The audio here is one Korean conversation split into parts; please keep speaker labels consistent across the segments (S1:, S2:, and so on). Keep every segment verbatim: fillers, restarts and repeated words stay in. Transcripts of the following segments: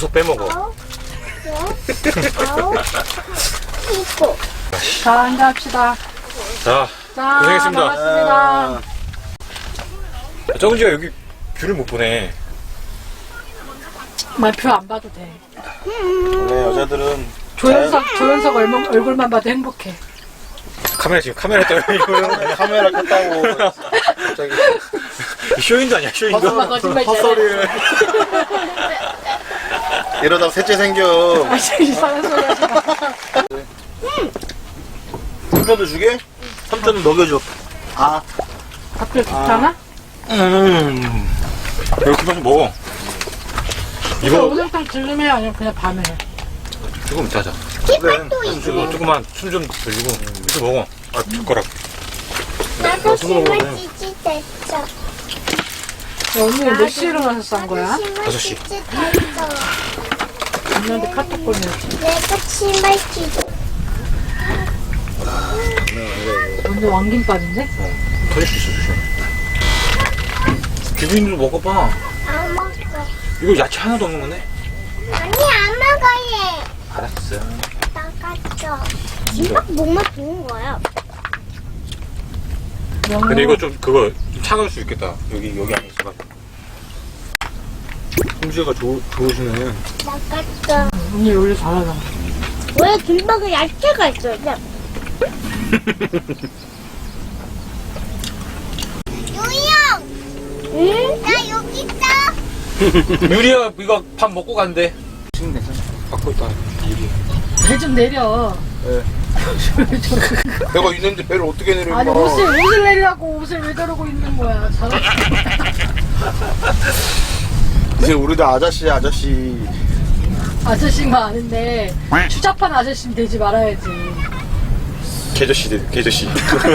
S1: 계속 빼먹어.
S2: 아홉, 열, 아홉, 일곱.
S3: 자, 이제 합시다.
S1: 자,
S3: 자,
S1: 고생했습니다.
S3: 반갑습니다.
S1: 정은지가 여기 뷰를 못 보네.
S3: 말표 안 봐도 돼.
S4: 원래 여자들은
S3: 조연석, 조연석 얼마, 얼굴만 봐도 행복해.
S1: 카메라 지금 카메라 떠요.
S4: 자연- 카메라 켰다고 갑자기
S1: 쇼인도 아니야, 쇼인도.
S3: 엄마 거짓말 잘해.
S4: 헛소리를 이러다가 셋째 생겨.
S3: 아, 진짜 이상한 소리 하지 마.
S4: 삼촌도 주게? 삼촌은 먹여줘. 아,
S3: 밥들 좋잖아?
S4: 음.
S1: 이렇게만 좀 먹어.
S3: 이거
S1: 이거
S3: 오뎅탕 질름해 아니면 그냥 밤에 해?
S1: 조금 이따 하자.
S4: 그래.
S1: 이거 조금만 숨 좀 돌리고 이거 먹어. 아, 젓가락.
S2: 나도
S4: 손으로 먹어야 돼.
S2: 심어지지 됐어.
S3: 야, 언니 몇 시에 일어나서 싼 거야?
S1: 다섯 시.
S2: 심어지지 됐어.
S3: 언니한테 카톡 보내야지.
S2: 내가 심어지지.
S3: 언니 왕김밥인데?
S1: 터질 수 있어, 조심. 기부인도 먹어봐.
S2: 안 먹어.
S1: 이거 야채 하나도 없는 거네.
S2: 아니, 안 먹어요.
S1: 알았어.
S2: 나갔죠. 김밥 목만 좋은 거야.
S1: 근데 이거 좀 그거 좀 차가울 수 있겠다. 여기 여기 안에 있어.
S4: 홍지가 좋 좋으시네.
S2: 나갔죠.
S3: 언니 요리 잘하잖아.
S2: 왜 김밥에 야채가 있어요? 요이형! 응? 나 여기 있어.
S1: 유리야 이거 밥 먹고 간대. 갖고 있다. 유리.
S3: 배 좀 내려.
S4: 내가 있는데 배를 어떻게 내려?
S3: 아니, 옷을, 옷을 내리라고 옷을 왜 저러고 있는 거야. 잘하지.
S4: 이제 우리도 아저씨 아저씨.
S3: 아저씨가 아는데, 추잡한 아저씨는 되지 말아야지.
S1: 개저씨 개저씨.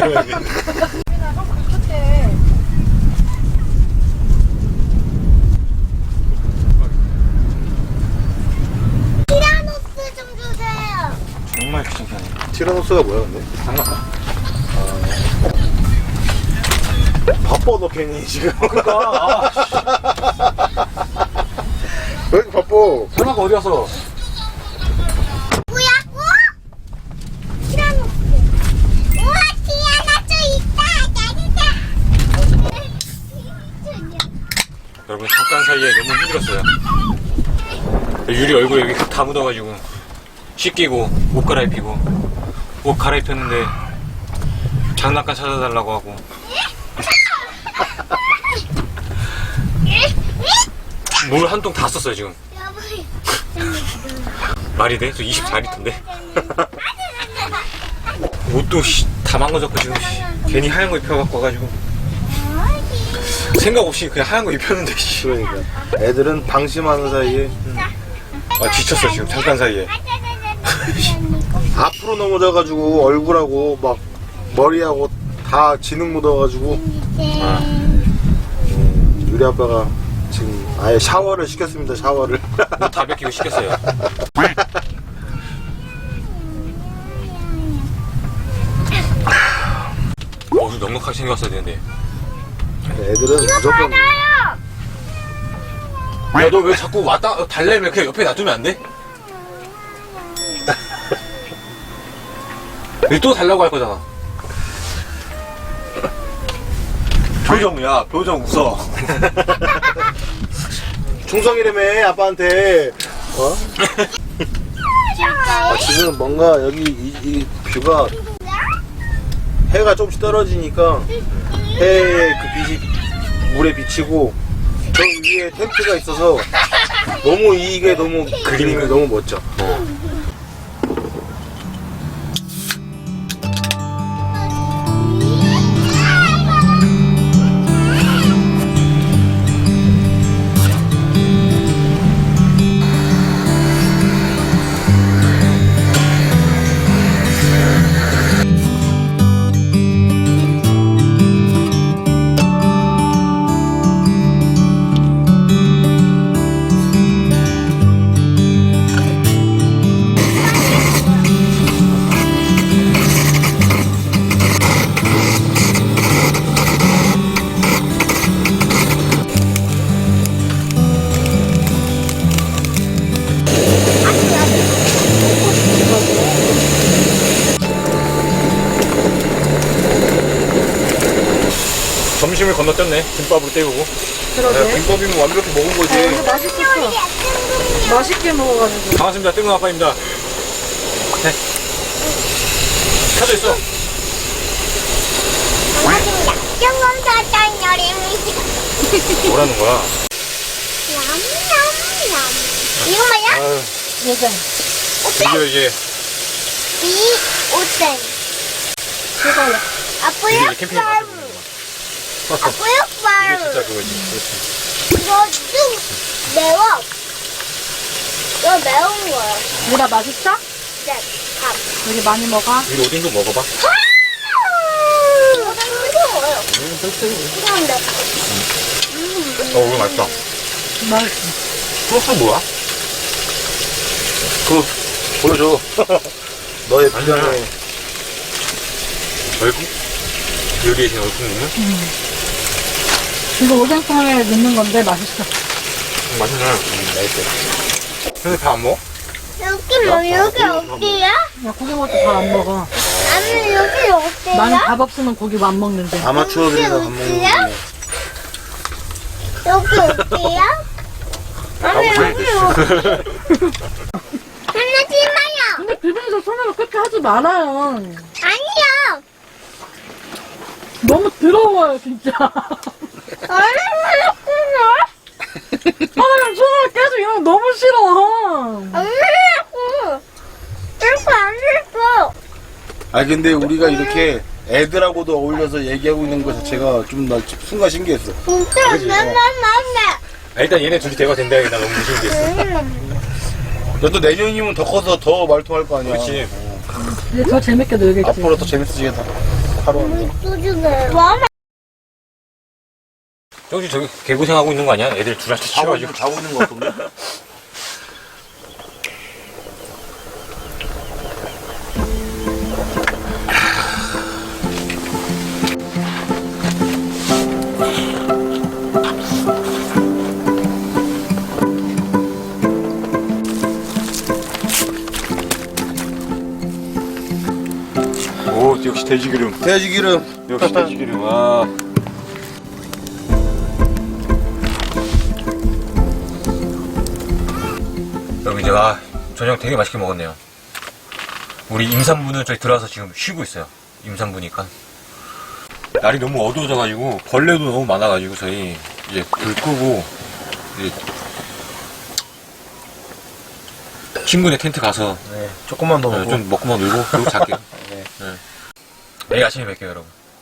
S2: 티라노스 좀 주세요.
S1: 정말 귀찮네.
S4: 티라노스가 뭐야 근데?
S1: 장난감.
S4: 바빠 너 괜히 지금.
S1: 그러니까
S4: 왜 이렇게 바빠?
S1: 장난감 어디 갔어?
S2: 뭐야? 어? 티라노스. 우와, 티라노스 있다. 나리다.
S1: 여러분 잠깐 사이에 너무 힘들었어요. 유리 얼굴에 여기 다 묻어가지고 씻기고 옷 갈아입히고 옷 갈아입혔는데 장난감 찾아달라고 하고 물 한 통 다 썼어요 지금. 말이 돼? 저 이십사 리터인데 옷도 씨, 다 망가졌고 지금 씨, 괜히 하얀 거 입혀갖고 와가지고 생각 없이 그냥 하얀 거 입혔는데 씨.
S4: 그러니까 애들은 방심하는 사이에
S1: 아 지쳤어 지금 잠깐 사이에.
S4: 앞으로 넘어져가지고 얼굴하고 막 머리하고 다 진흙 묻어가지고 음, 유리 아빠가 지금 아예 샤워를 시켰습니다. 샤워를.
S1: 옷 다 벗기고 시켰어요. 어, 넉넉하게 생겼어야 되는데.
S4: 애들은 무조건
S1: 야, 너 왜 자꾸 왔다 달래면 그냥 옆에 놔두면 안 돼? 여기 또 달라고 할 거잖아.
S4: 표정이야. 표정 웃어. 충성이라며 아빠한테. 어? 아, 지금 뭔가 여기 이, 이 뷰가 해가 조금씩 떨어지니까 해의 그 빛이 물에 비치고 저 위에 텐트가 있어서 너무 이게 너무 그림이 너무 멋져.
S1: 건너뛰었네. 김밥으로 때우고.
S3: 그러게.
S4: 김밥이면 완벽히 먹은
S3: 아,
S4: 거지.
S3: 근데 맛있었어. 맛있게 먹어가지고.
S1: 반갑습니다. 뜬금 아빠입니다. 네. 켜져 있어.
S2: 영감사장 열입니다.
S1: 뭐라는 거야?
S2: 냠냠냠. 이거 뭐야?
S1: 아유,
S3: 예전.
S1: 이거 이제
S2: 이 오뎅.
S3: 그거요.
S2: 아빠야
S1: 이게 캠핑에 가서 먹는 거야.
S2: 아빠야
S1: 이게
S2: 빵.
S1: 진짜 그거지. 그렇지.
S2: 이거 좀 매워. 이거 매운 거야.
S3: 얘가 맛있어?
S2: 네, 밥.
S3: 여기 많이 먹어.
S1: 이거 오뎅도 먹어봐.
S2: 이거 뜨거워요. 뜨거운데.
S1: 어, 이거 맛있다.
S3: 맛있어.
S1: 소스 뭐야?
S4: 그거 보여줘. 너의
S1: 아니야.
S4: 비장의
S1: 얼굴? 요리에 제 얼굴 있는?
S3: 이거 오뎅탕에 넣는 건데 맛있어.
S1: 음, 맛있네. 음, 맛있어. 근데 밥 안 먹어?
S2: 여기 뭐 여기 어디야?
S3: 야, 고기 먹을 때 밥 안 먹어.
S2: 아니 여기 어디야?
S3: 나는 밥 없으면 고기 안 먹는데.
S4: 아마추어들이나 밥 먹는
S2: 어디야?
S4: 거.
S2: 여기 어디야? 아니 여기 어디? 하지 마요.
S3: 근데 비빔에서 손으로 그렇게 하지 말아요.
S2: 아니요.
S3: 너무 더러워요, 진짜.
S2: 얼마나
S3: 아, 나 손으로 계속 이런 거 너무 싫어.
S2: 얼마나 이렇게 안 됐어.
S4: 아 근데 우리가 이렇게 애들하고도 어울려서 얘기하고 있는 것 자체가 좀 나 순간 신기했어.
S2: 진짜
S1: 그치?
S2: 맨날
S1: 아, 일단 얘네 둘이 대화 된다. 나 너무 무서운겠어.
S2: 맨날.
S4: 너도 내년이면 더 커서 더 말통할 거 아니야.
S1: 그렇지.
S3: 이제 더 재밌게 놀겠지.
S4: 앞으로 더 재밌어지겠다. 하루 하루.
S2: 소주네. 뭐?
S1: 정신 저기 개고생하고 있는 거 아니야? 애들 둘한테
S4: 자고,
S1: 치워가지고.
S4: 자고 있는 거 같던데?
S1: 오, 역시 돼지기름.
S4: 돼지기름.
S1: 역시 돼지기름. 와. 여러분 이제 아 저녁 되게 맛있게 먹었네요. 우리 임산부는 저기 들어와서 지금 쉬고 있어요. 임산부니까. 날이 너무 어두워져가지고 벌레도 너무 많아가지고 저희 이제 불 끄고 이제 친구네 텐트 가서
S4: 네, 조금만 더
S1: 네,
S4: 먹고.
S1: 좀 먹고만 놀고 그리고 잘게요.
S4: 네.
S1: 네. 내일 아침에 뵐게요 여러분.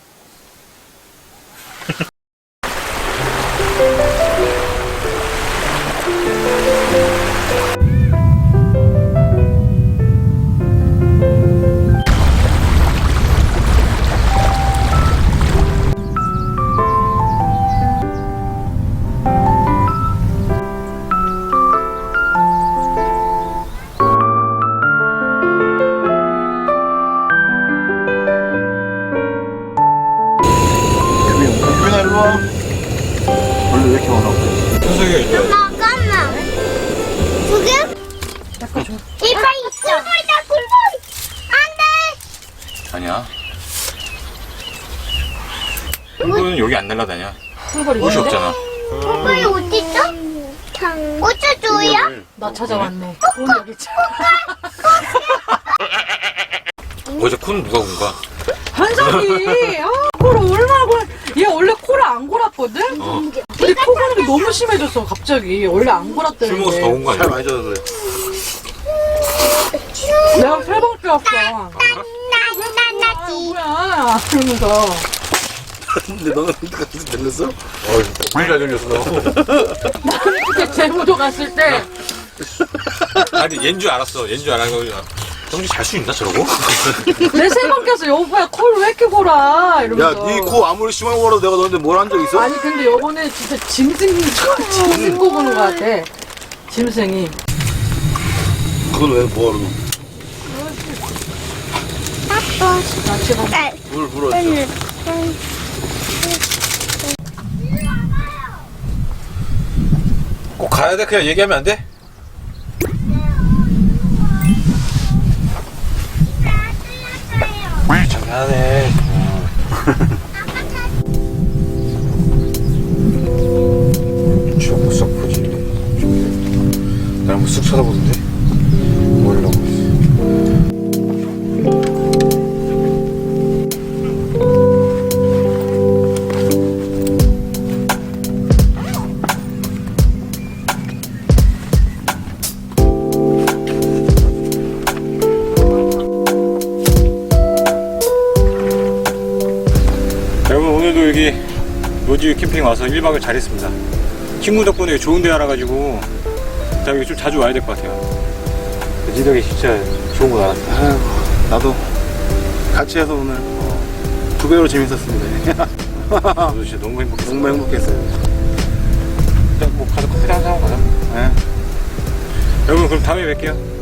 S4: 유빈아 일로 와. 벌레 왜 이렇게 많아?
S1: 현석이가 이제
S2: 잠깐만. 두 개?
S3: 잠깐 좀.
S2: 이빨 있어. 굴벌이다 굴벌. 안 돼.
S1: 아니야. 꿀벌은 여기 안 날라다녀.
S3: 꿀벌이
S1: 옷이
S3: 있는데?
S1: 없잖아.
S2: 굴벌이 어디 있어? 꽂혀줘요?
S3: 나 찾아왔네. 돈 여기 있지.
S1: 어제 콘 누가 군가?
S3: 한석이! 아, 코를 얼마나 골, 얘 원래 코를 안 골았거든?
S1: 어.
S3: 근데 코 고는 게 너무 심해졌어, 갑자기. 원래 안 골았다는데.
S1: 술 먹어서 더 온 거
S4: 살
S1: 아니야?
S4: 많이 쪄서 그래.
S3: 내가 세 번 뛰었어.
S2: 나나나지.
S3: 뭐야, 이러면서.
S4: 근데 너는 그때까지 들렸어?
S1: 어이, 물잘 들렸어.
S3: 그때 제주도 갔을 때,
S1: 아니, 얜 줄 알았어. 얜 줄 알고. 정신 잘 수 있나, 저러고?
S3: 내 세 번 껴서 여보야, 코를 왜 이렇게 골아?
S4: 야,
S3: 이러면서.
S4: 네 코 아무리 심하게 걸어도 내가 너한테 뭘 한 적 있어?
S3: 아니, 근데 요번에 진짜 짐승, 짐승 코 고는 것 같아. 짐승이.
S4: 그건 왜 뭐하러?
S3: 나 지금
S4: 물 불었죠.
S1: 꼭 가야 돼? 그냥 얘기하면 안 돼? 장난해. 노지 캠핑 와서 일 박을 잘했습니다. 친구 덕분에 좋은 데 알아가지고 자 여기 좀 자주 와야 될 것 같아요. 지덕이 진짜 좋은 거 알았어.
S4: 아이고, 나도 같이 해서 오늘 어, 두 배로 재밌었습니다.
S1: 저도 진짜 너무 행복했어.
S4: 정말 행복했어요.
S1: 일단 뭐 가서 커피 한잔 하고 가자.
S4: 네.
S1: 여러분 그럼 다음에 뵐게요.